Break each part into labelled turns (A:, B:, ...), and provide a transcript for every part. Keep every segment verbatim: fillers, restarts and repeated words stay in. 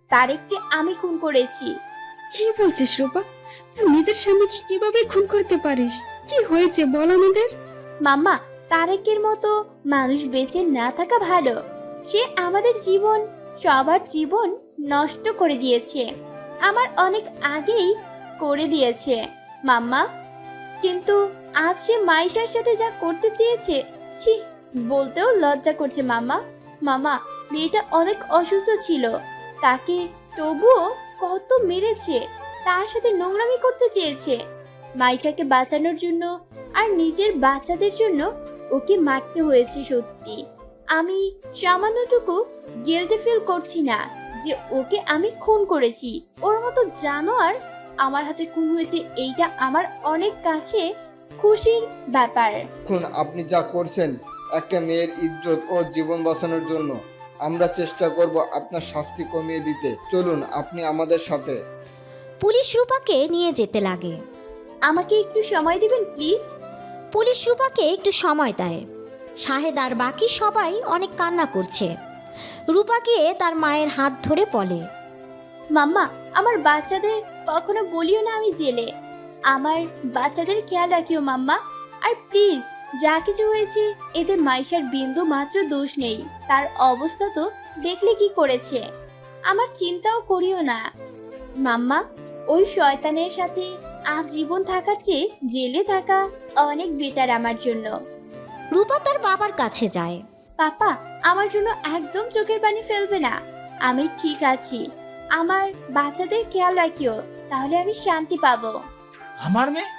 A: তারেককে আমি খুন করেছি।
B: কি বলছিস রূপা? তুই নিজের স্বামীকে কিভাবে খুন করতে পারিস? কি হয়েছে বল আমাদের।
A: মাম্মা, তারেকের মতো মানুষ বেঁচে না থাকা ভালো। সে আমাদের জীবন, সবার জীবন নষ্ট করে দিয়েছে। আমার অনেক আগেই করে দিয়েছে মাম্মা। কিন্তু আজ সে মাইশার সাথে যা করতে চেয়েছে, ছি, বলতেও লজ্জা করছে মামা। মামা, মেয়েটা অনেক অসুস্থ ছিল, তাকে তবুও কত মেরেছে, তার সাথে নোংরামি করতে চেয়েছে। মাইশাকে বাঁচানোর জন্য আর নিজের বাচ্চাদের জন্য ওকে মারতে হয়েছে। সত্যি আমি সামান্যটুকু গিল্ট ফিল করছি না যে ওকে আমি খুন করেছি। ওর মতো জানোয়ার আমার হাতে খুন হয়েছে, এইটা আমার অনেক কাছে খুশির ব্যাপার।
C: এখন আপনি যা করছেন একটা মেয়ের ইজ্জত ও জীবন বাঁচানোর জন্য। আমরা চেষ্টা করব আপনার শাস্তি কমিয়ে দিতে। চলুন আপনি আমাদের সাথে।
D: পুলিশ রূপাকে নিয়ে যেতে লাগে।
A: আমাকে একটু সময় দিবেন প্লিজ?
D: পুলিশ রূপাকে একটু সময় দেয়। শাহেদ আর বাকি সবাই অনেক কান্না করছে। রূপা গিয়ে তার মায়ের হাত ধরে বলে,
A: মাম্মা, আমার বাচ্চাদের কখনো বলিও না আমি জেলে। আমার বাচ্চাদের খেয়াল রাখিও মাম্মা। আর প্লিজ, যা কিছু হয়েছে এতে মাইশার বিন্দু মাত্র দোষ নেই। তার অবস্থা তো দেখলে কি করেছে। আমার চিন্তাও করিও না মাম্মা। ওই শয়তানের সাথে আজীবন থাকার চেয়ে জেলে থাকা অনেক বেটার আমার জন্য।
D: রূপা তার বাবার কাছে যায়।
A: পাপা, আমার জন্য একদম চোখের পানি ফেলবে না। আমি ঠিক আছি। আমার বাচ্চাদের খেয়াল রাখিও, তাহলে আমি শান্তি পাবো।
E: আমার মেয়ে?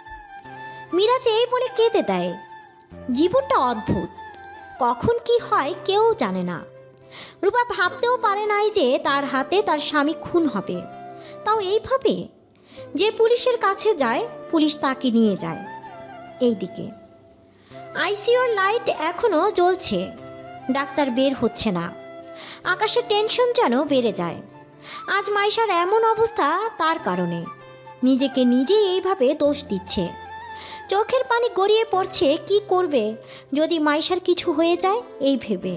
D: মিরাজ এই বলে কেঁদে দেয়। জীবনটা অদ্ভুত, কখন কি হয় কেউ জানে না। রূপা ভাবতেও পারে নাই যে তার হাতে তার স্বামী খুন হবে, তাও এইভাবে। যে পুলিশের কাছে যায়, পুলিশ তাকে নিয়ে যায়। এইদিকে আইসিইউর লাইট এখনও জ্বলছে, ডাক্তার বের হচ্ছে না। আকাশের টেনশন যেন বেড়ে যায়। আজ মাইশার এমন অবস্থা তার কারণে। নিজেকে নিজেই এইভাবে দোষ দিচ্ছে। চোখের পানি গড়িয়ে পড়ছে, কি করবে যদি মাইশার কিছু হয়ে যায় এই ভেবে।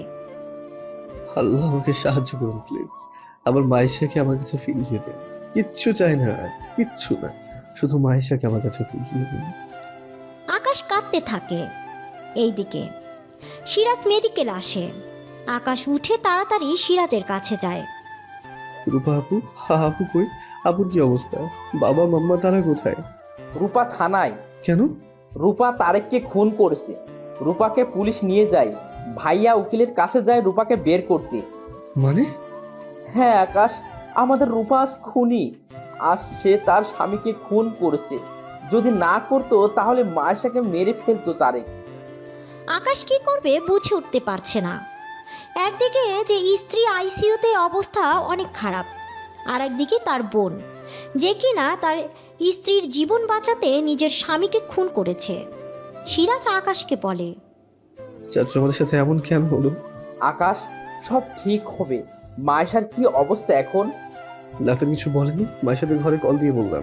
F: আল্লাহ আমাকে সাহায্য করুন প্লিজ। আমার মাইশাকে আমার কাছে ফিরিয়ে দেন। কিচ্ছু চাই না, কিচ্ছু না, শুধু মাইশাকে আমার কাছে ফিরিয়ে দিন।
D: আকাশ কাঁদতে থাকে। এইদিকে সিরাজ মেডিকেল আসে। আকাশ উঠে তাড়াতাড়ি সিরাজের কাছে যায়।
F: রূপা আপু, হা আপু কই? আপুর কি অবস্থা? বাবা মাম্মা তারা কোথায়?
G: রূপা থানায়।
F: কেন?
G: রূপা তারেককে খুন করেছে। রূপাকে পুলিশ নিয়ে যায়। ভাইয়া উকিলের কাছে যায় রূপাকে বের করতে।
F: মানে?
G: হ্যাঁ আকাশ, আমাদের রূপা আজ খুনি। আজ সে তার স্বামীকে খুন করেছে। যদি না করতো তাহলে মায়েশাকে মেরে ফেলতো তারেক।
D: আকাশ কি করবে বুঝে উঠতে পারছে না। একদিকে যে স্ত্রী আইসিইউতে অবস্থা অনেক খারাপ, আর একদিকে তার বোন, যে কিনা তার স্ত্রীর জীবন বাঁচাতে নিজের স্বামীকে খুন করেছে। সিরাজ আকাশকে বলে,
F: চাচু আমাদের সাথে এমন কেন হলো?
G: আকাশ, সব ঠিক হবে। মায়েশার কি অবস্থা এখন?
F: ডাক্তার কিছু বলেনি? মায়ের সাথে ঘরে কল দিয়ে বললাম।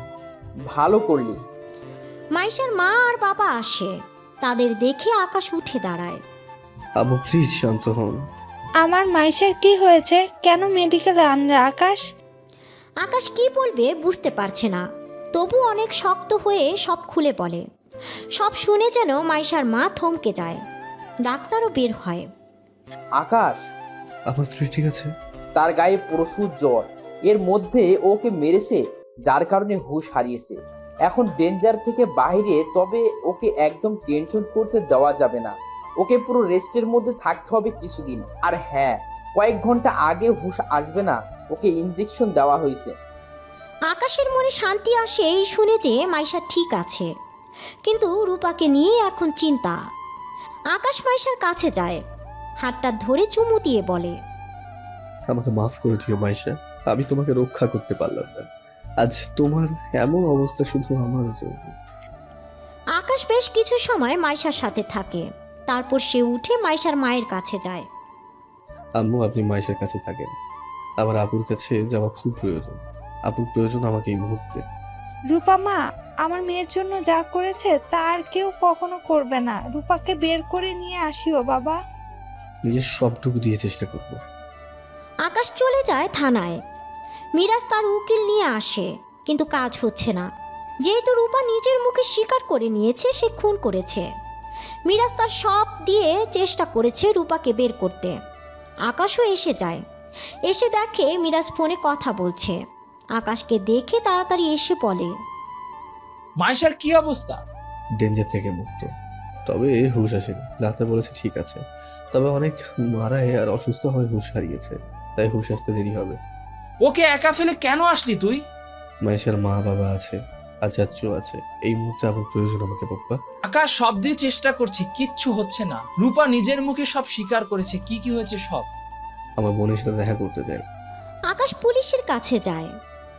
G: ভালো করলি।
D: মাইশার মা আর বাবা আসে। তাদের দেখে আকাশ উঠে দাঁড়ায়।
F: আবু প্লিজ শান্ত হন।
H: আমার মাইশার কি হয়েছে? কেন মেডিকেলে আনলে আকাশ?
D: আকাশ কি বলবে বুঝতে পারছে না, তবু অনেক শক্ত হয়ে সব খুলে বলে। সব শুনে যেন মাইশার মা থমকে যায়। ডাক্তারও বের হয়।
G: আকাশ,
F: আমার স্ত্রী ঠিক আছে?
G: তার গায়ে প্রচুর জ্বর। এর মধ্যে ওকে মেরেছে, যার কারণে হুঁশ হারিয়েছে। এখন ডেঞ্জার থেকে বাইরে, তবে ওকে একদম টেনশন করতে দেওয়া যাবে না। ওকে পুরো রেস্টের মধ্যে থাকতে হবে কিছুদিন। আর হ্যাঁ, কয়েক ঘন্টা আগে হুঁশ আসবে না, ওকে ইনজেকশন দেওয়া হয়েছে।
D: আকাশের মনে শান্তি আসে এই শুনে যে মাইশা ঠিক আছে, কিন্তু রূপাকে নিয়ে এখন চিন্তা। আকাশ মাইশার কাছে যায়, হাতটা ধরে চুমু দিয়ে বলে,
F: আমাকে মাফ করে দিও মাইশা, আমি তোমাকে রক্ষা করতে পারলাম না। আজ তোমার এমন অবস্থা শুধু আমার জন্য।
D: আকাশ বেশ কিছু সময় মাইশার সাথে থাকে, তারপর সে উঠে মাইশার মায়ের কাছে যায়।
F: আম্মু আপনি মাইশার কাছে থাকেন, আমার আপুর কাছে যাওয়া খুব প্রয়োজন। আপুর প্রয়োজন আমাকে এই মুহূর্তে।
H: রূপা মা আমার মেয়ের জন্য যা করেছে তা আর কেউ কখনো করবে না। রূপাকে বের করে নিয়ে আসিও বাবা।
F: নিজের সবটুকু দিয়ে চেষ্টা করব।
D: আকাশ চলে যায় থানায়। মিরাজ তার উকিল নিয়ে আসে, কিন্তু কাজ হচ্ছে না। যেহেতু রূপা নিজের মুখে স্বীকার করে নিয়েছে সে খুন করেছে, মিরাজ তার সব দিয়ে চেষ্টা করেছে রূপাকে বের করতে। আকাশও এসে যায়, এসে দেখে মিরাজ ফোনে কথা বলছে। আকাশকে দেখে তাড়াতাড়ি এসে বলে,
E: মাইশার কি অবস্থা?
F: ডেঞ্জার থেকে মুক্ত, তবে হুঁশ আসেনি। ডাক্তার বলেছে ঠিক আছে, তবে অনেক মারায় আর অসুস্থ হয়ে হুঁশ হারিয়েছে, তাই হুঁশ আসতে দেরি হবে।
E: ওকে একা ফেলে কেন আসলি তুই?
F: মাইশার মা বাবা আছে আর চাচু আছে, এই মুহূর্তে আমার প্রয়োজন আমাকে পাপ্পা।
E: আকাশ সব দিয়ে চেষ্টা করছে, কিচ্ছু হচ্ছে না। রূপা নিজের মুখে সব স্বীকার করেছে কি কি হয়েছে সব।
F: আমার বোনের সাথে দেখা করতে চাই।
D: আকাশ পুলিশের কাছে যায়।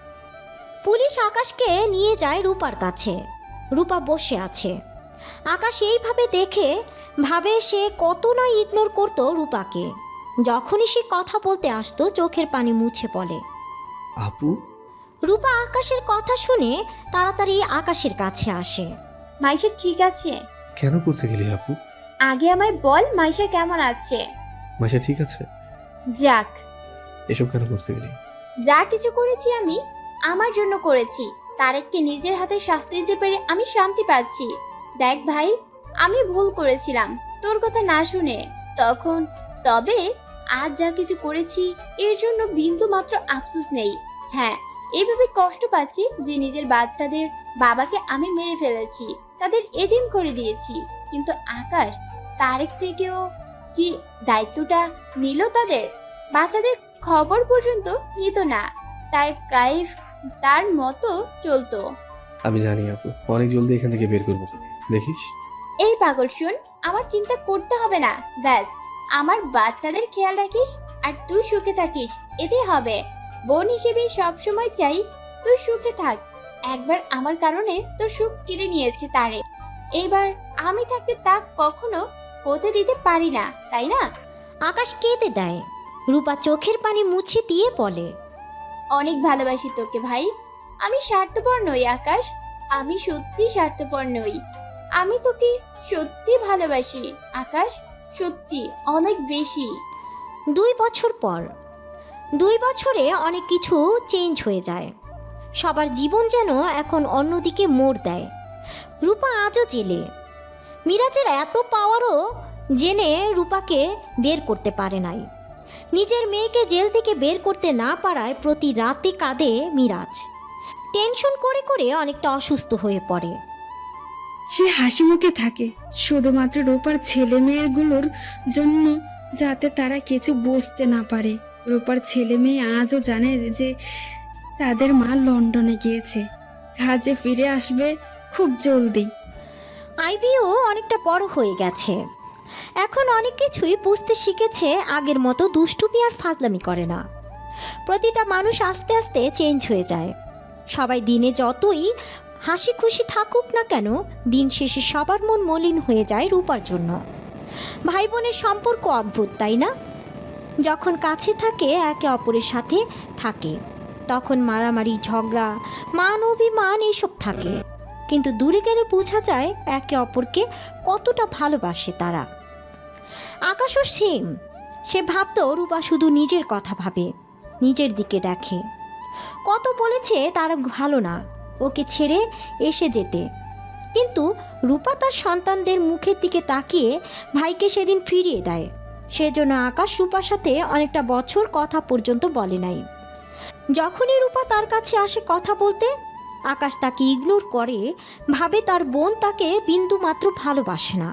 D: পুলিশ আকাশকে নিয়ে যায় রূপার কাছে। রূপা বসে আছে। আকাশ এইভাবে দেখে ভাবে সে কত না ইগনোর করতো রূপাকে। যখনই সে কথা বলতে আসতো চোখের পানি মুছে পড়ে।
F: আপু?
D: রূপা আকাশের কথা শুনে তাড়াতাড়ি আকাশের কাছে আসে।
A: মাইশা ঠিক আছে?
F: কেন করতে গেলি আপু?
A: আগে আমায় বল মাইশা কেমন আছে?
F: মাইশা ঠিক আছে?
A: যাক,
F: এসব কেন করতে গেলি?
A: যা কিছু করেছি আমি আমার জন্য করেছি। তারেককে নিজের হাতে শাস্তি দিতে পেরে আমি শান্তি পাচ্ছি। দেখ ভাই, আমি ভুল করেছিলাম তোর কথা না শুনে তখন, তবে আজ যা কিছু করেছি এর জন্য বিন্দু মাত্র আফসোস নেই। হ্যাঁ, এইভাবে কষ্ট পাচ্ছি যে নিজের বাচ্চাদের বাবাকে আমি মেরে ফেলেছি, তাদের এতিম করে দিয়েছি। কিন্তু আকাশ তারেক থেকেও কি দায়িত্বটা নিল? তাদের বাচ্চাদের খবর পর্যন্ত নিত না। তার কাইফ তার মতো চলতো।
F: আমি জানি আপু, অনেক জলদি এখান থেকে বের করবো তোকে, দেখিস।
A: এই পাগল শুন, আমার চিন্তা করতে হবে না। ব্যাস, আমার বাচ্চাদের খেয়াল রাখিস আর তুই সুখে থাকিস, এতেই হবে। বোন হিসেবে সবসময় চাই তুই সুখে থাক। একবার আমার কারণে তোর সুখ কেড়ে নিয়েছে তারে, এইবার আমি থাকতে তা কখনো হতে দিতে পারি না, তাই না?
D: আকাশ কেঁদে দেয়। রূপা চোখের পানি মুছে দিয়ে বলে,
A: অনেক ভালোবাসি তোকে ভাই। আমি স্বার্থপর নই আকাশ, আমি সত্যি স্বার্থপর নই। আমি তোকে সত্যি ভালোবাসি আকাশ, সত্যি অনেক বেশি।
D: দুই বছর পর। দুই বছরে অনেক কিছু চেঞ্জ হয়ে যায়। সবার জীবন যেন এখন অন্যদিকে মোড় দেয়। রূপা আজও জেলে। মিরাজের এত পাওয়ারও জেনে রূপাকে বের করতে পারে নাই। নিজের মেয়েকে জেল থেকে বের করতে না পারায় প্রতি রাতে কাঁদে মিরাজ। টেনশন করে করে অনেকটা অসুস্থ হয়ে পড়ে।
B: সে হাসি মুখে থাকে শুধুমাত্র রূপার ছেলে মেয়েগুলোর জন্য, যাতে তারা কিছু বুঝতে না পারে। রূপার ছেলে মেয়ে আজও জানে যে তাদের মা লন্ডনে গিয়েছে, কাজে ফিরে আসবে খুব জলদি।
D: আইবিও অনেকটা বড় হয়ে গেছে, এখন অনেক কিছুই বুঝতে শিখেছে। আগের মতো দুষ্টুমি আর ফাজলামি করে না। প্রতিটা মানুষ আস্তে আস্তে চেঞ্জ হয়ে যায়। সবাই দিনে যতই হাসি খুশি থাকুক না কেন, দিন শেষে সবার মন মলিন হয়ে যায় রূপার জন্য। ভাই বোনের সম্পর্ক অদ্ভুত, তাই না? যখন কাছে থাকে একে অপরের সাথে থাকে, তখন মারামারি ঝগড়া মান অভিমান এইসব থাকে, কিন্তু দূরে গেলে বোঝা যায় একে অপরকে কতটা ভালোবাসে তারা। আকাশও সেম। সে ভাবতো রূপা শুধু নিজের কথা ভাবে, নিজের দিকে দেখে। কত বলেছে তার ভালো না, ওকে ছেড়ে এসে যেতে, কিন্তু রূপা তার সন্তানদের মুখের দিকে তাকিয়ে ভাইকে সেদিন ফিরিয়ে দেয়। সেজন্য আকাশ রূপার সাথে অনেকটা বছর কথা পর্যন্ত বলে নাই। যখনই রূপা তার কাছে আসে কথা বলতে, আকাশ তাকে ইগনোর করে, ভাবে তার বোন তাকে বিন্দু মাত্র ভালোবাসে না।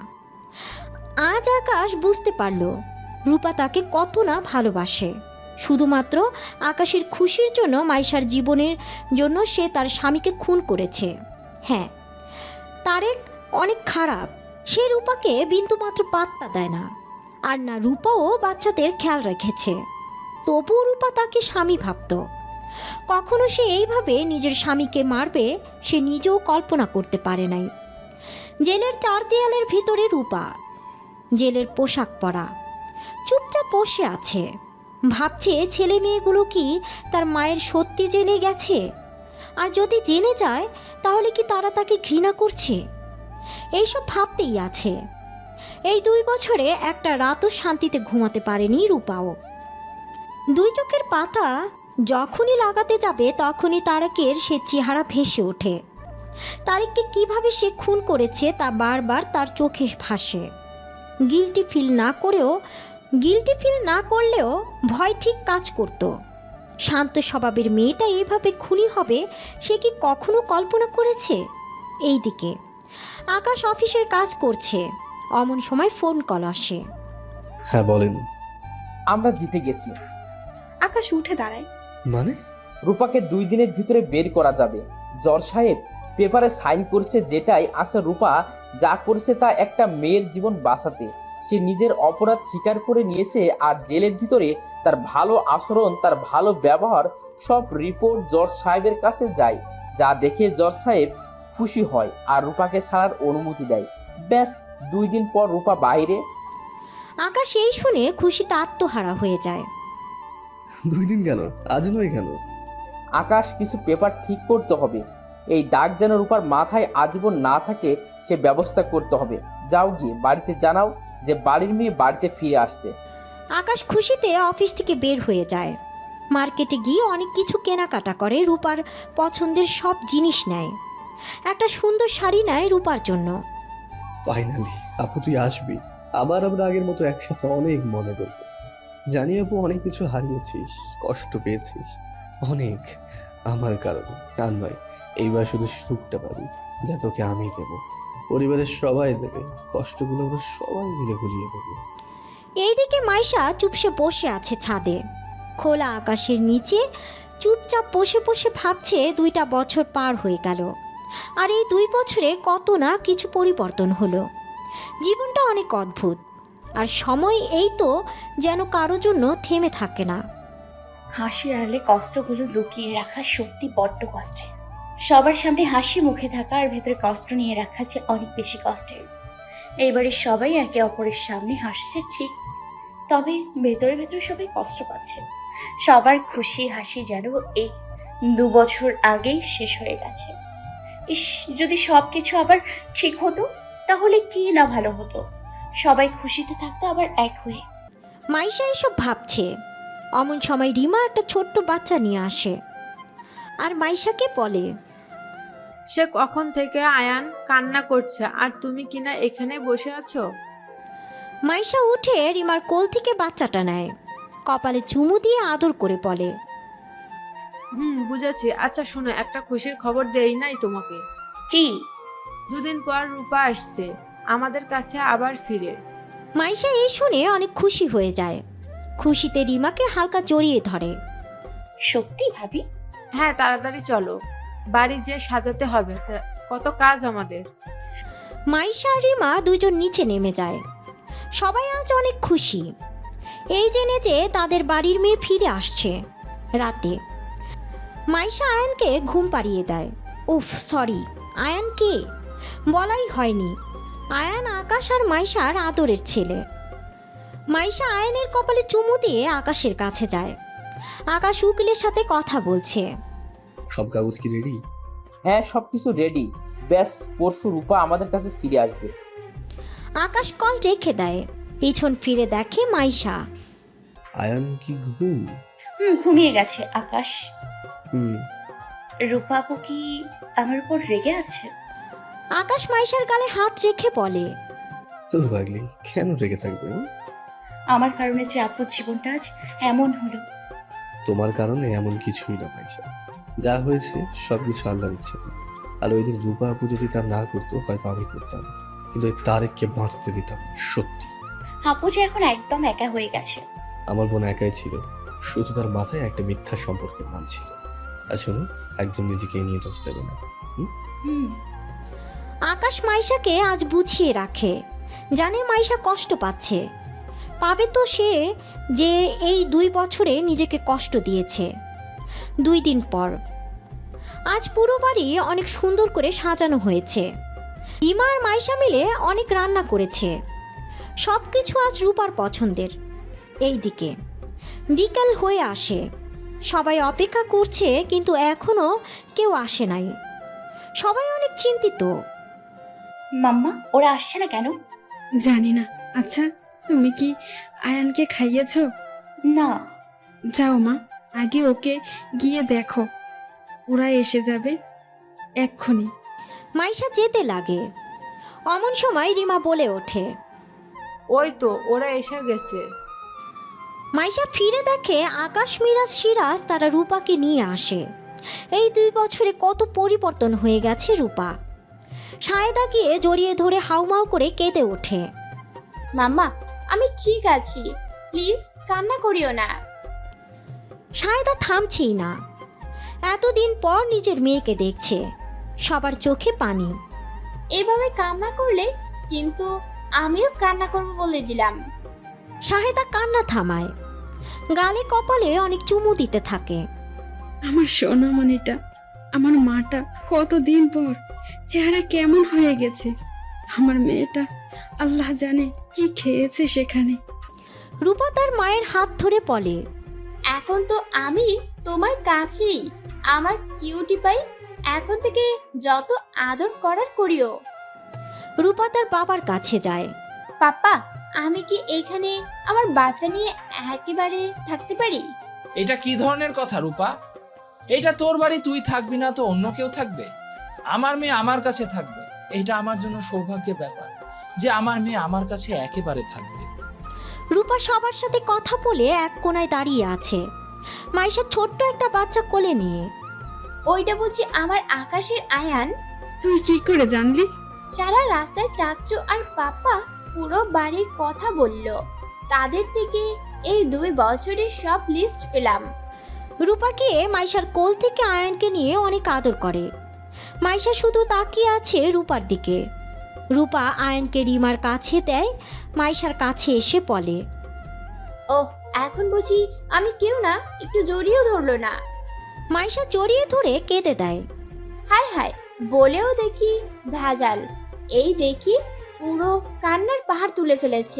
D: আজ আকাশ বুঝতে পারল রূপা তাকে কত না ভালোবাসে। শুধুমাত্র আকাশের খুশির জন্য মাইশার জীবনের জন্য সে তার স্বামীকে খুন করেছে। হ্যাঁ, তারেক অনেক খারাপ। সে রূপাকে বিন্দুমাত্র পাত্তা দেয় না, আর না রূপাও বাচ্চাদের খেয়াল রেখেছে। তবুও রূপা তাকে স্বামী ভাবত। কখনো সে এইভাবে নিজের স্বামীকে মারবে সে নিজেও কল্পনা করতে পারে নাই। জেলের চার দেয়ালের ভিতরে রূপা, জেলের পোশাক পরা, চুপচাপ বসে আছে। ভাবছে ছেলে মেয়েগুলো কি তার মায়ের সত্যি জেনে গেছে? আর যদি জেনে যায় তাহলে কি তারা তাকে ঘৃণা করছে? এইসব ভাবতেই আছে। এই দুই বছরে একটা রাতও শান্তিতে ঘুমাতে পারেনি রূপাও। দুই চোখের পাতা যখনই লাগাতে যাবে তখনই তারেকের সে চেহারা ভেসে ওঠে। তারেককে কিভাবে সে খুন করেছে তা বারবার তার চোখে ভাসে। গিল্টি ফিল না করেও গিল্টি ফিল না করলেও ভয় ঠিক কাজ করত। শান্ত স্বভাবের মেয়েটা এইভাবে খুনি হবে সে কি কখনো কল্পনা করেছে? এইদিকে আকাশ অফিসের কাজ করছে, অমন সময় ফোন কল আসে।
F: হ্যাঁ বলেন।
G: আমরা জিতে গেছি।
I: আকাশ উঠে দাঁড়ায়।
F: মানে?
G: রূপাকে দুই দিনের ভিতরে বের করা যাবে। জজ সাহেব পেপারে সাইন করছে, যেটাই আছে রূপা যা করেছে তা একটা মেয়ের জীবন বাঁচাতে। সে নিজের অপরাধ স্বীকার করে নিয়েছে, আর জেলের ভিতরে তার ভালো আচরণ, তার ভালো ব্যবহার সব রিপোর্ট জজ সাহেবের কাছে যায়, যা দেখে জজ সাহেব খুশি হয় আর রূপাকে ছাড়ার অনুমতি দেয়। ব্যাস, দুই দিন পর রূপা বাইরে।
D: আকাশ এই শুনে খুশিতে আত্মহারা হয়ে যায়।
F: দুই দিন কেন? আজ নয় কেন?
G: আকাশ কিছু পেপার ঠিক করতে হবে। এই দাগ যেন রূপার মাথায় আজীবন না থাকে সে ব্যবস্থা করতে হবে। যাও গিয়ে বাড়িতে জানাও যে বাড়ির মেয়ে বাড়িতে ফিরে আসছে।
D: আকাশ খুশিতে অফিস থেকে বের হয়ে যায়। মার্কেটে গিয়ে অনেক কিছু কেনাকাটা করে, রূপার পছন্দের সব জিনিস নেয়। একটা সুন্দর শাড়ি নেয় রূপার জন্য।
F: ফাইনালি আপু তুই আসবি, আবার আমরা আগের মতো একসাথে অনেক মজা করবো। জানি আপু অনেক কিছু হারিয়েছিস, কষ্ট পেয়েছিস অনেক আমার কারণে। আর নয়, এইবার শুধু সুখটা পাবি যা তোকে আমি দেব, পরিবারের সবাই দেবে, কষ্টগুলো আমরা সবাই মিলে ভুলিয়ে দেবো।
D: এইদিকে মাইশা চুপসে বসে আছে ছাদে, খোলা আকাশের নিচে চুপচাপ বসে বসে ভাবছে দুইটা বছর পার হয়ে গেল, আর এই দুই বছরে কত না কিছু পরিবর্তন হলো। জীবনটা অনেক অদ্ভুত, আর সময় এই তো যেন কারো জন্য থেমে থাকে না।
A: হাসির আড়ালে কষ্টগুলো লুকিয়ে রাখা সত্যি বড্ড কষ্টের। সবার সামনে হাসি মুখে থাকা আর ভেতরে কষ্ট নিয়ে রাখা যে অনেক বেশি কষ্টের। এইবারে সবাই একে অপরের সামনে হাসছে ঠিক, তবে ভেতরে ভেতরে সবাই কষ্ট পাচ্ছে। সবার খুশি হাসি যেন এই দু বছর আগেই শেষ হয়ে গেছে। ইস, যদি সব কিছু আবার ঠিক হতো তাহলে কি না ভালো হতো, সবাই খুশিতে থাকতো আবার এক হয়ে।
D: মাইশা এসব ভাবছে, অমন সময় রিমা একটা ছোট্ট বাচ্চা নিয়ে আসে আর মাইশাকে বলে,
J: সে কখন থেকে আয়ান কান্না করছে আর তুমি কিনা এখানে বসে আছো।
D: মাইশা উঠে রিমার কোল থেকে বাচ্চাটা নেয়, কপালে চুমু দিয়ে আদর করে বলে,
J: হুম বুঝেছি। আচ্ছা শোনো, একটা খুশির খবর দেই নাই তোমাকে।
A: কি?
J: দুদিন পর রূপা আসছে আমাদের কাছে আবার ফিরে।
D: মাইশা এই শুনে অনেক খুশি হয়ে যায়। খুশিতে রিমাকে হালকা জড়িয়ে ধরে।
A: সত্যি ভাবি?
J: হ্যাঁ তাড়াতাড়ি চলো, বাড়ি যে সাজাতে হবে, তা- কত কাজ আমাদের।
D: মাইশা আর রিমা দুজন নিচে নেমে যায়। সবাই আজ অনেক খুশি, এই জেনে যে তাদের বাড়ির মেয়ে ফিরে আসছে। রাতে মাইশা আয়ানকে ঘুম পাড়িয়ে দেয়। উফ সরি, আয়ান কে বলাই হয়নি। আয়ান আকাশ আর মাইশার আদরের ছেলে। মাইশা আয়ানের কপালে চুমু দিয়ে আকাশের কাছে যায়। আকাশ উকিলের সাথে কথা বলছে।
F: সব কাগজ কি রেডি?
G: হ্যাঁ, সবকিছু রেডি। ব্যাস, পরশু রূপা আমাদের কাছে ফিরে আসবে।
D: আকাশ কল রেখে দেয়, পিছন ফিরে দেখে মাইশা।
F: আয়ান কি ঘুম?
A: হুম, ঘুমিয়ে গেছে আকাশ।
F: হুম।
A: রূপাপু কি আমার উপর রেগে আছে?
D: আকাশ মাইশার গালে হাত রেখে বলে,
F: চলো পাগলি, কেন রেগে থাকবে? হুম?
A: আমার কারণে যে আপুর জীবনটা আজ এমন হলো।
F: তোমার কারণে এমন কিছুই না পয়সা, যা হয়েছে সবকিছু আল্লাহর ইচ্ছেতে। আর ওই দিন রূপা আপু যদি তা না করতো হয়তো আমি করতাম, কিন্তু ওই তারেককে বাঁচতে দিতাম না। সত্যি
A: আপু যে এখন একদম একা হয়ে গেছে।
F: আমার বোন একাই ছিল, শুধু তার মাথায় একটা মিথ্যা সম্পর্কের নাম ছিল। আর শোনো, একদম নিজেকে এ নিয়ে দোষ দেবে না।
A: হুম।
D: আকাশ মাইশাকে আজ বুঝিয়ে রাখে, জানে মাইশা কষ্ট পাচ্ছে, পাবে তো সে, যে এই দুই বছরে নিজেকে কষ্ট দিয়েছে। দুই দিন পর আজ পুরো বাড়ি অনেক সুন্দর করে সাজানো হয়েছে। রিমা আর মাইশা মিলে অনেক রান্না করেছে, সব কিছু আজ রূপার পছন্দের। এইদিকে বিকাল হয়ে আসে, সবাই অপেক্ষা করছে কিন্তু এখনো কেউ আসে নাই। সবাই অনেক চিন্তিত।
A: মাম্মা, ওরা আসছে না কেন?
B: জানি না। আচ্ছা তুমি কি আয়ানকে খাইয়েছো?
A: না।
B: যাও মা, আগে ওকে গিয়ে দেখো, ওরা এসে যাবে এক্ষুনি।
D: মাইশা যেতে লাগে। অমন সময় রিমা বলে ওঠে।
J: ওই তো ওরা এসে গেছে।
D: মাইশা ফিরে দেখে আকাশ, মিরাজ, সিরাজ তারা রূপাকে নিয়ে আসে। এই দুই বছরে কত পরিবর্তন হয়ে গেছে রূপা। সায়দা গিয়ে জড়িয়ে ধরে হাউমাউ করে কেঁদে ওঠে।
A: মাম্মা, আমি ঠিক আছি, প্লিজ কান্না করিও না।
D: সায়দা থামছেই না। এতদিন পর নিজের মেয়েকে দেখছে, সবার চোখে পানি।
A: এভাবে কান্না করলে কিন্তু আমিও কান্না করবো বলে দিলাম।
D: সাহেদা কান্না থামায়, গালে কপালে অনেক চুমু দিতে থাকে।
B: আমার সোনামণিটা, আমার মাটা কতদিন পর চেহারা কেমন হয়ে গেছে। আমার মেয়েটা আল্লাহ জানে কি খেয়েছে সেখানে।
D: রূপা তার মায়ের হাত ধরে বলে,
A: এখন তো আমি তোমার কাছেই, আমার কিউটি পাই। এখন থেকে যত আদর করার করিও।
D: রূপা তার বাবার কাছে যায়।
A: পাপা, আমি কি এখানে আমার বাচ্চা নিয়ে একেবারে থাকতে পারি?
E: এটা কি ধরনের কথা রূপা? এটা তোর বাড়ি, তুই থাকবি না তো অন্য কেউ থাকবে? আমার মেয়ে আমার কাছে থাকবে। এটা আমার জন্য সৌভাগ্যের ব্যাপার যে আমার মেয়ে আমার কাছে একেবারে থাকবে।
D: রূপা সবার সাথে কথা বলে এক কোণায় দাঁড়িয়ে আছে, মাইশা ছোট্ট একটা বাচ্চা কোলে নিয়ে।
A: ওইটা বুঝি আমার আকাশের আয়ান?
B: তুই কি করে জানলি?
A: সারা রাস্তায় চাচ্চু আর পাপা পুরো বাড়ির কথা বলল। তাদের থেকে এই দুই বছরের সব লিস্ট পেলাম।
D: রূপাকে মাইশার কোল থেকে আয়ানকে নিয়ে অনেক আদর করে। মাইশা শুধু তাকিয়ে আছে রূপার দিকে। রূপা আয়ানকে রিমার কাছে দেয়, মাইশার কাছে এসে বলে,
A: ওহ, এখন বুঝি আমি কেউ না, একটু জড়িয়েও ধরলো না।
D: মাইশা জড়িয়ে ধরে কেঁদে দেয়।
A: হায় হায়, বলেও দেখি ভেজাল। এই দেখি পুরো কান্নার পাহাড় তুলে ফেলেছে।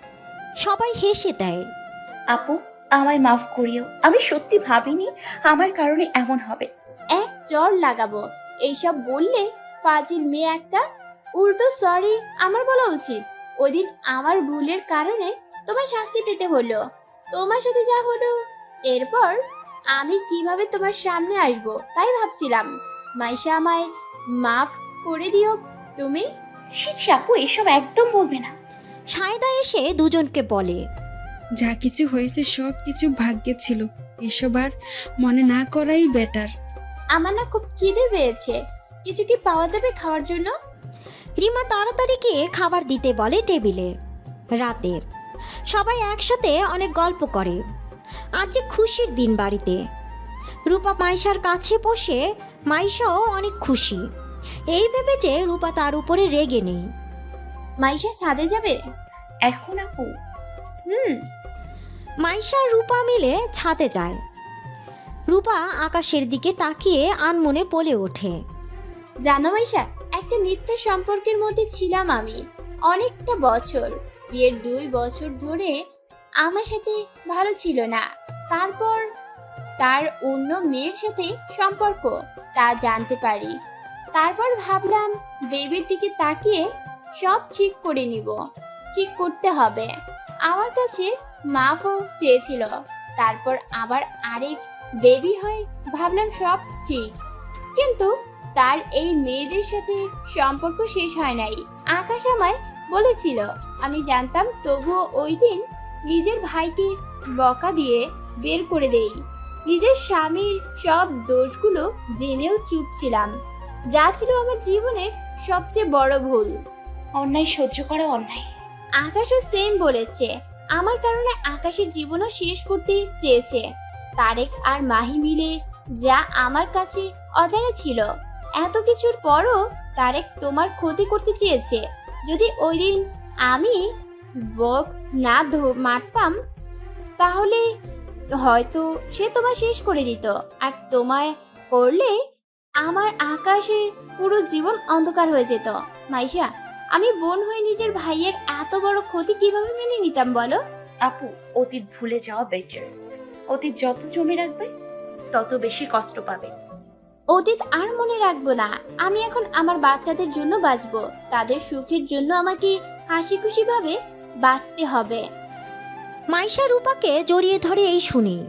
D: সবাই হেসে দেয়।
I: আপু, আমায় মাফ করিও, আমি সত্যি ভাবিনি আমার কারণে এমন হবে।
A: এক চর লাগাবো এইসব বললে। ফাজিল মেয়ে একটা। উল্টো সরি আমার বলা উচিত। ওইদিন আমার ভুলের কারণে তোমার শাস্তি পেতে হলো। তোমার সাথে যা হলো, এরপর আমি কিভাবে তোমার সামনে আসব তাই ভাবছিলাম। মাইশা, আমায় মাফ করে দিও তুমি।
I: ছি ছি আপু, এসব একদম বলবে না।
D: সায়দা এসে দুজনকে বলে,
B: যা কিছু হয়েছে সব কিছু ভাগ্যে ছিল, এসব আর মনে না করাই বেটার।
A: আমার না খুব খিদে পেয়েছে, কিছু কি পাওয়া যাবে খাওয়ার জন্য?
D: রিমা তাড়াতাড়ি গিয়ে খাবার দিতে বলে টেবিলে। রাতে সবাই একসাথে অনেক গল্প করে। আজ যে খুশির দিন বাড়িতে। রূপা মাইশার কাছে বসে, মাইশাও অনেক খুশি এই ভেবে যে রূপা তার উপরে রেগে নেই।
A: মাইশা ছাদে যাবে
I: এখন আপু?
A: হুম।
D: মাইশা আর রূপা মিলে ছাদে যায়। রূপা আকাশের দিকে তাকিয়ে আনমনে বলে ওঠে,
A: জানো মাইশা, একটা মিথ্যা সম্পর্কের মধ্যে ছিলাম আমি অনেকটা বছর। বিয়ের দুই বছর ধরে আমার সাথে ভালো ছিল না। তারপর তার অন্য মেয়ের সাথে সম্পর্ক, তা জানতে পারি। তারপর ভাবলাম বেবির দিকে তাকিয়ে সব ঠিক করে নিব। ঠিক করতে হবে। আমার কাছে মাফও চেয়েছিল। তারপর আবার আরেক বেবি হয়, ভাবলাম সব ঠিক। কিন্তু তার এই মেয়েদের সাথে সম্পর্ক শেষ হয় নাই। আকাশ আমায় বলেছিল, আমি জানতাম, তবুও ওই দিন নিজের ভাইকে বকা দিয়ে বের করে দেই। নিজের স্বামীর সব দোষগুলো জেনেও চুপ ছিলাম, যা ছিল আমার জীবনের সবচেয়ে বড় ভুল।
I: অন্যায় সহ্য করা অন্যায়।
A: আকাশও সেম বলেছে। আমার কারণে আকাশের জীবনও শেষ করতে চেয়েছে। তারেক আর মাহি মিলে যা আমার কাছে অজানা ছিল, এত কিছুর পরও তারেক তোমার ক্ষতি করতে চেয়েছে। যদি ওই দিন আমি বক না মারতাম তাহলে হয়তো সে তোমায় শেষ করে দিত। আর তোমায় করলে আমার আকাশের পুরো জীবন অন্ধকার হয়ে যেত। মাইশা, আমি বোন হয়ে নিজের ভাইয়ের এত বড় ক্ষতি কিভাবে মেনে নিতাম বলো?
I: আপু, অতীত ভুলে যাওয়া বেটার। অতীত যত জমে রাখবে তত বেশি কষ্ট পাবে।
A: অতীত আর মনে রাখবো না। আমি এখন আমার বাচ্চাদের জন্য বাঁচবো। তাদের সুখের জন্য আমাকে হাসি খুশি ভাবে বাঁচতে হবে।
D: মাইশা রূপাকে জড়িয়ে ধরে এই শুনি।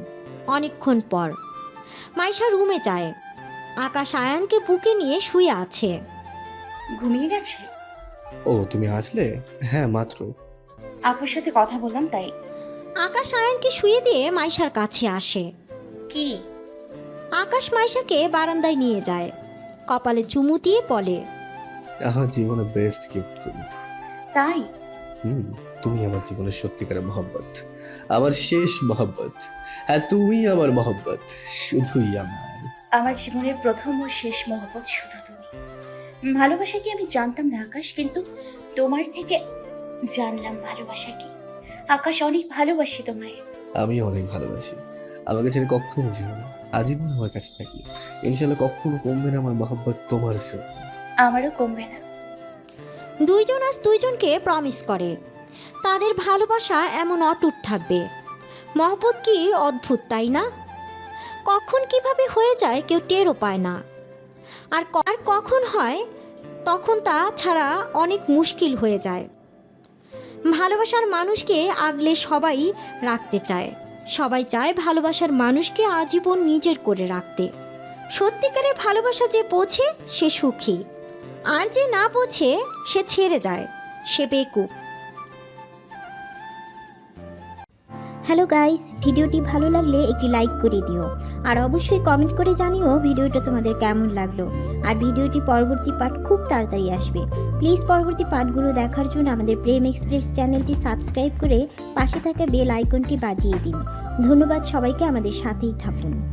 D: অনেকক্ষণ পর মাইশা রুমে যায়। আকাশ আয়ানকে বুকে নিয়ে শুয়ে আছে।
I: ঘুমিয়ে গেছে?
F: ও তুমি আসলে? হ্যাঁ মাত্র।
I: আপুর সাথে কথা বললাম তাই।
D: আকাশ আয়ানকে শুয়ে দিয়ে মাইশার কাছে আসে।
I: কি?
D: আকাশ মাইশাকে বারান্দায় নিয়ে যায়, কপালে চুমু দিয়ে বলে,
F: আমার জীবনের বেস্ট গিফট তুমি।
I: তাই?
F: হুম, তুমি আমার জীবনের সত্যিকারের মহব্বত, আমার শেষ মহব্বত। হ্যাঁ তুমি আমার মহব্বত, শুধুই আমার।
I: আমার জীবনের প্রথম ও শেষ মহব্বত শুধু তুমি। ভালোবাসা কি আমি জানতাম না আকাশ, কিন্তু তোমার থেকে জানলাম ভালোবাসা কি। আকাশ, অনেক ভালোবাসি তোমায়।
F: আমি অনেক ভালোবাসি। আমাকে ছেড়ে কখনো যেও না, আজীবন আমার কাছে থাকি। ইনশাল্লাহ কখনো কমবে না আমার মহব্বত তোমার জন্য।
I: আমারও কমবে না।
D: দুইজন আজ দুইজনকে প্রমিস করে তাদের ভালোবাসা এমন অটুট থাকবে। মহব্বত কি অদ্ভুত, তাই না? কখন কিভাবে হয়ে যায় কেউ টেরও পায় না, আর ক- আর কখন হয় তখন তা ছাড়া অনেক মুশকিল হয়ে যায়। ভালোবাসার মানুষকে আগলে সবাই রাখতে চায়, সবাই চায় ভালোবাসার মানুষকে আজীবন নিজের করে রাখতে। সত্যিকারের ভালোবাসা যে বোঝে সে সুখী, আর যে না বোঝে সে ছেড়ে যায়, সে বেকুব। হ্যালো গাইস, ভিডিওটি ভালো লাগলে একটি লাইক করে দিও, আর অবশ্যই কমেন্ট করে জানিও ভিডিওটা তোমাদের কেমন লাগলো। আর ভিডিওটি পরবর্তী পার্ট খুব তাড়াতাড়ি আসবে। প্লিজ পরবর্তী পার্টগুলো দেখার জন্য আমাদের প্রেম এক্সপ্রেস চ্যানেলটি সাবস্ক্রাইব করে পাশে থাকা বেল আইকনটি বাজিয়ে দিন। ধন্যবাদ সবাইকে, আমাদের সাথেই থাকুন।